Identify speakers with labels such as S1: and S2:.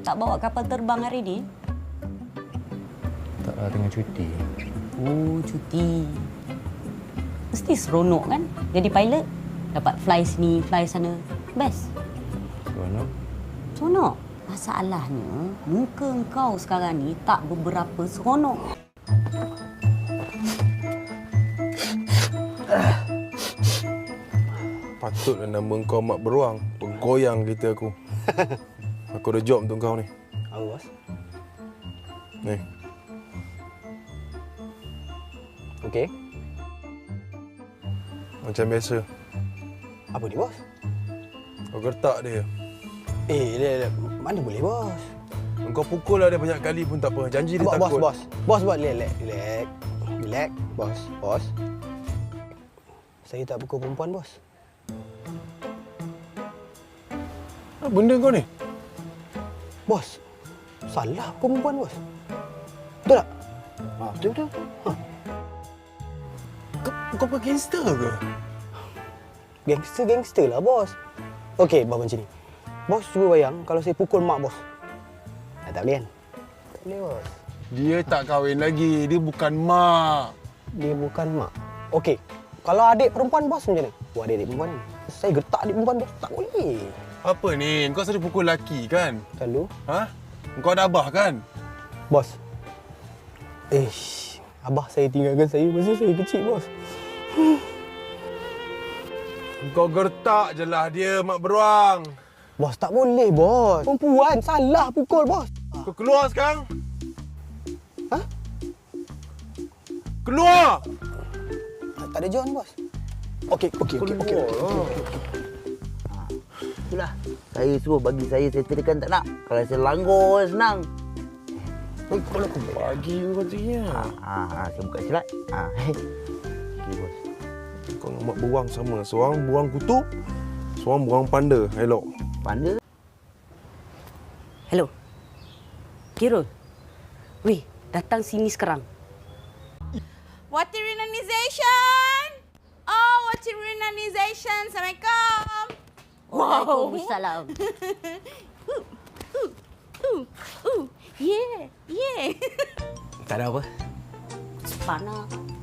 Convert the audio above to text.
S1: tak bawa kapal terbang hari ni?
S2: Tak lah, tengah cuti.
S1: Oh, cuti. Mesti seronok kan jadi pilot? Dapat fly sini, fly sana. Best.
S2: Seronok?
S1: Seronok. Masalahnya, muka kau sekarang ni tak beberapa seronok.
S3: Patutlah nama kau Mak Beruang. Bergoyang kereta aku. Aku ada job untuk kau ni.
S4: Apa, bos?
S3: Ni.
S4: Okey.
S3: Macam biasa.
S4: Apa ni, bos?
S3: Kau gertak dia.
S4: Mana boleh, bos?
S3: Kau pukul lah dia banyak kali pun tak apa. Janji dia takut.
S4: Bos, relax. Bos. Saya tak pukul perempuan, bos.
S3: Apa benda kau ni?
S4: Bos, salah pukul perempuan, bos. Betul tak? Betul.
S3: Kau bukan gangster ke?
S4: Gangster lah, bos. Okey, bos macam ni. Bos cuba bayang kalau saya pukul mak bos. Tak boleh kan? Tak boleh, bos.
S3: Dia tak kahwin lagi. Dia bukan mak.
S4: Dia bukan mak. Okey, kalau adik perempuan bos macam mana? Buat adik perempuan ni. Saya gertak adik perempuan bos. Tak boleh.
S3: Apa ni? Kau selalu pukul lelaki kan?
S4: Selalu.
S3: Ha? Kau ada abah kan?
S4: Bos. Abah saya tinggalkan saya masa saya kecil, bos.
S3: Kau gertak je lah dia, Mak Beruang.
S4: Bos, tak boleh, bos. Perempuan salah pukul, bos.
S3: Kau keluar sekarang.
S4: Ha?
S3: Keluar!
S4: Tak ada John, bos. Okey.
S5: Itulah. Saya suruh bagi saya settlekan tak nak. Kalau saya langgar senang.
S3: Kalau aku bagi kau katanya.
S5: Saya buka silat. Okey, bos.
S3: Kau dengan Mak Beruang sama. Seorang beruang kutub, seorang beruang panda. Elok.
S5: Panda?
S1: Hello. Kirul. Weh, datang sini sekarang.
S6: Water Renanisation! Oh, Water Renanisation! Assalamualaikum!
S1: Waalaikumsalam.
S6: Yeah.
S4: Tak ada apa.
S1: Panah.